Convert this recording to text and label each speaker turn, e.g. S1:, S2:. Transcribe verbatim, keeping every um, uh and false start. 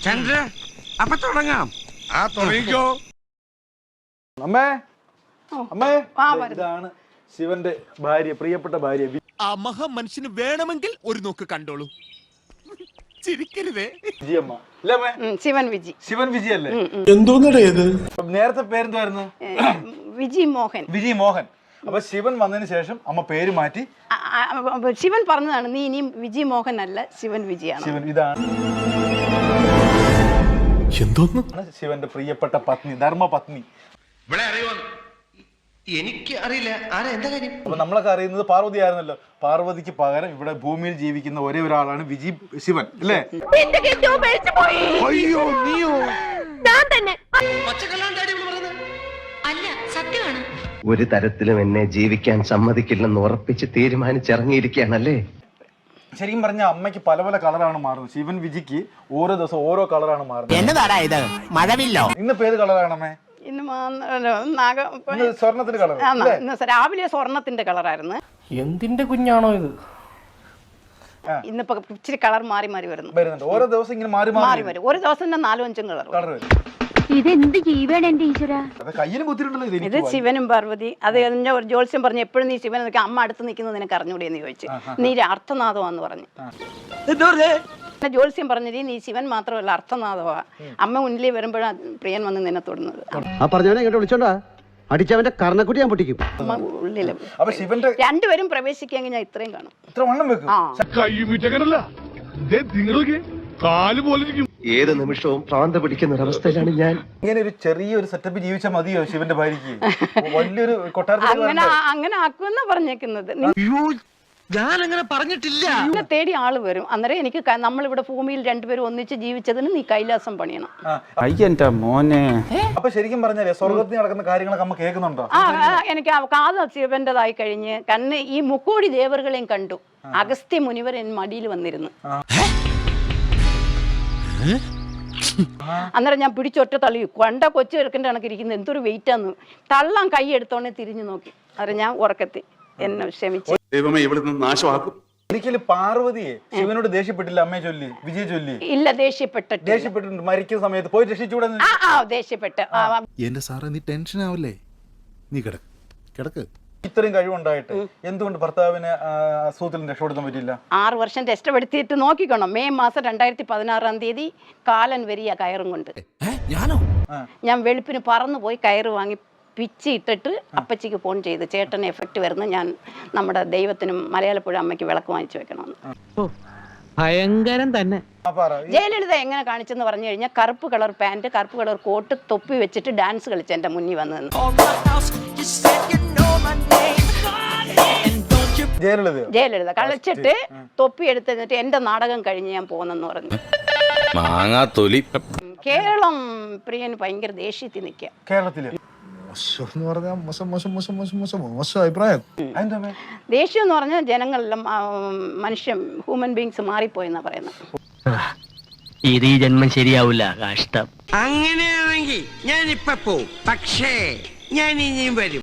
S1: ചന്ദ്ര അപ്പൊ തുടങ്ങാം.
S2: ആ തുടങ്ങിക്കോ.
S3: അമ്മേ അമ്മേ ഇതാണ് ശിവന്റെ ഭാര്യ, പ്രിയപ്പെട്ട ഭാര്യ.
S4: ആ മഹാ മനുഷ്യന് വേണമെങ്കിൽ ഒരു നോക്ക് കണ്ടോളൂ. ചിരിക്കരുതേ.
S3: വിജിയമ്മ അല്ലേ അമ്മേ?
S5: ശിവൻ വിജി.
S3: ശിവൻ വിജി അല്ലേ?
S2: എന്തോന്നടേ ഇത്?
S3: നേരത്തെ പേരെന്തായിരുന്നു?
S5: വിജി മോഹൻ.
S3: വിജി മോഹൻ. അപ്പൊ ശിവൻ വന്നതിന് ശേഷം അമ്മ പേര് മാറ്റി
S5: ശിവൻ പറഞ്ഞതാണ്, നീ ഇനിയും വിജി മോഹൻ അല്ല, ശിവൻ വിജിയാണ്.
S3: ശിവൻ ഇതാണ്
S2: എന്തോന്ന്?
S3: ശിവന്റെ പ്രിയപ്പെട്ട പത്നി, ധർമ്മ പത്നി.
S1: ഇവിടെ അറിയോ? എനിക്ക് അറിയില്ല. ആരാ, എന്താ കാര്യം?
S3: അപ്പൊ നമ്മളൊക്കെ അറിയുന്നത് പാർവതി ആയിരുന്നല്ലോ. പാർവതിക്ക് പകരം ഇവിടെ ഭൂമിയിൽ ജീവിക്കുന്ന ഒരേ ഒരാളാണ് വിജി ശിവൻ അല്ലേ?
S2: അയ്യോ നീയോ?
S6: ഒരു തരത്തിലും എന്നെ ജീവിക്കാൻ സമ്മതിക്കില്ലെന്ന് ഉറപ്പിച്ച് തീരുമാനിച്ചിറങ്ങിയിരിക്കുകയാണല്ലേ.
S3: ശരിക്കും പറഞ്ഞ അമ്മയ്ക്ക് പല പല കളറാണ് മാറുന്നത്. ശിവൻ വിജിക്ക് ഓരോ ദിവസം ഓരോ കളറാണ് മാറുന്നത്.
S4: എന്നതാടാ ഇത്? മഴവില്ലോ?
S3: ഇന്ന് പേര് കളറാണമ്മേ?
S5: ഇന്ന് നാഗ
S3: സ്വർണത്തിന്റെ കളർ.
S5: ഇന്ന് രാവിലെ സ്വർണത്തിന്റെ കളറായിരുന്നു.
S7: എന്തിന്റെ കുഞ്ഞാണോ ഇത്?
S5: ഇന്നിപ്പോ ഇച്ചിരി കളർ മാറി മാറി വരുന്നു.
S3: വരുന്നുണ്ട് ഓരോ ദിവസം ഇങ്ങനെ മാറി
S5: മാറി വരും. ഒരു ദിവസം തന്നെ നാലും അഞ്ചും കളർ
S3: കളർ വരും.
S8: ഇതെന്ത് ജീവൻ എന്റെ ഈശ്വര.
S3: കയ്യിലും കുത്തിയിട്ടുണ്ടല്ലോ ഇത്.
S5: ഇത് ശിവനും പാർവതി. അത് എന്നെ ഒരു ജോത്സ്യം പറഞ്ഞു, എപ്പോഴും നീ ശിവൻ നിൽക്കുക, അമ്മ അടുത്ത് നിൽക്കുന്നത് നിനക്ക് അറിഞ്ഞൂടെന്ന് ചോദിച്ചു. നീ അർത്ഥനാഥമാന്ന് പറഞ്ഞു. ജോത്സ്യം പറഞ്ഞത് നീ ശിവൻ മാത്രമല്ല അർത്ഥനാഥമാ. അമ്മ മുന്നിൽ വരുമ്പോഴാണ് പ്രിയൻ വന്ന് നിന്നെ തൊടുന്നത്.
S9: ആ പറഞ്ഞവനെ ഇങ്ങോട്ട് വിളിച്ചോണ്ടാ അടിച്ചവന്റെ കർണക്കുട്ടി ഞാൻ പൊട്ടിക്കും.
S5: ഉള്ളില്
S3: അപ്പൊ ശിവന്റെ
S5: രണ്ടുപേരും പ്രവേശിക്കുകയെങ്കിൽ ഞാൻ ഇത്രയും കാണും.
S3: ഇത്ര വണ്ണം വെക്കും.
S6: ഏത് നിമിഷവും പ്രാന്ത പിടിക്കുന്ന ഒരവസ്ഥയിലാണ് ഞാൻ.
S3: ഇങ്ങനെ ഒരു ചെറിയൊരു സെറ്റപ്പ് ജീവിച്ചാൽ മതിയോ ശിവന്റെ ഭാര്യക്ക്? വലിയൊരു കൊട്ടാരത്തിൽ
S5: അങ്ങനെ അങ്ങനെ ആക്കുമെന്നാ പറഞ്ഞേക്കുന്നത്.
S1: ഞാൻ അങ്ങനെ പറഞ്ഞിട്ടില്ല.
S5: നിന്നെ തേടി ആള് വരും. അന്നേരം എനിക്ക് നമ്മളിവിടെ ഭൂമിയിൽ രണ്ടുപേരും ഒന്നിച്ച് ജീവിച്ചതിന് നീ കൈലാസം പണിയണം.
S3: അയ്യന്റെ മോനെ. അപ്പൊ ശരിക്കും പറഞ്ഞാലേ സ്വർഗത്തിൽ നടക്കുന്ന കാര്യങ്ങളൊക്കെ അമ്മ കേൾക്കുന്നുണ്ടോ?
S5: ആ എനിക്ക് കാത് ശിവന്റേതായി കഴിഞ്ഞ് കണ്ണ് ഈ മുക്കോടി ദേവറുകളെയും കണ്ടു. അഗസ്ത്യ മുനിവർ എൻ മടിയിൽ വന്നിരുന്നു. അന്നേരം ഞാൻ പിടിച്ചൊറ്റ തള്ളി. കണ്ട കൊച്ചു ചെറുക്കൻ്റെ കണക്ക് ഇരിക്കുന്നത് എന്തൊരു വെയിറ്റാന്ന്. തള്ളാൻ കൈ എടുത്തോണെ തിരിഞ്ഞു നോക്കി. അന്നേരം ഞാൻ ഉറക്കത്തി എന്നെ ക്ഷമിച്ചു.
S2: ദൈവമേ ഇവിടുന്ന് നാശമാക്കും.
S3: ഒരിക്കലും പാർവതിയെ ശിവനോട് ദേഷ്യപ്പെട്ടില്ല അമ്മയെ ചൊല്ലി, വിജയ ചൊല്ലി?
S5: ഇല്ല, ദേഷ്യപ്പെട്ടിട്ട്
S3: ദേഷ്യപ്പെട്ടിട്ടുണ്ട്. മരിക്കുന്ന സമയത്ത് പോയി രക്ഷിച്ചൂടെ?
S5: ആ ആ ദേഷ്യപ്പെട്ട്.
S2: എന്റെ സാറേ നീ ടെൻഷൻ ആവല്ലേ, നീ കിടക്ക് കിടക്ക്.
S3: ഇത്രയും കഴിവുണ്ടായിട്ട് എന്തുകൊണ്ട് ഭർത്താവിനെ അസുഖത്തിൽ രക്ഷപ്പെടുത്താൻ പറ്റില്ല?
S5: ആറ് വർഷം ടെസ്റ്റ് എടുത്തിട്ട് നോക്കിക്കണം. മെയ് മാസം രണ്ടായിരത്തി പതിനാറാം തീയതി കാലൻ വരിക കയറും കൊണ്ട്. ഞാൻ വെളുപ്പിന് പറന്നു പോയി കയറ് വാങ്ങി പിച്ചി ഇട്ടിട്ട് അപ്പച്ചിക്ക് ഫോൺ ചെയ്ത്, ചേട്ടന് എഫക്റ്റ് വരുന്ന ഞാൻ നമ്മുടെ ദൈവത്തിനും മലയാളപ്പുഴ അമ്മയ്ക്ക് വിളക്ക് വാങ്ങിച്ചു വെക്കണമെന്ന്.
S7: ഭയങ്കരം തന്നെ.
S5: ജയലളിത എങ്ങനെ കാണിച്ചെന്ന് പറഞ്ഞു കഴിഞ്ഞാൽ കറുപ്പ് കളർ പാന്റ്, കറുപ്പ് കളർ കോട്ട്, തൊപ്പി വെച്ചിട്ട് ഡാൻസ് കളിച്ച് എന്റെ മുന്നിൽ വന്നു നിന്ന്.
S3: ജയലളിത
S5: ജയലളിത കളിച്ചിട്ട് തൊപ്പി എടുത്തിട്ട് എന്റെ നാടകം കഴിഞ്ഞ് ഞാൻ പോന്നെന്ന് പറഞ്ഞു. കേരളം പ്രിയന് ഭയങ്കര ദേഷ്യത്തിൽ നിൽക്കുക.
S3: കേരളത്തില്
S5: ദേഷ്യം എന്ന് പറഞ്ഞാൽ ജനങ്ങളെല്ലാം മനുഷ്യൻ ഹ്യൂമൻ ബീങ്സ് മാറിപ്പോയെന്നാ പറയുന്നത്.
S7: ഇത് ഈ ജന്മം ശരിയാവില്ല, കഷ്ടം.
S1: അങ്ങനെയാണെങ്കിൽ ഞാൻ ഇപ്പൊ പോവും, പക്ഷേ ഞാൻ ഇനിയും വരും.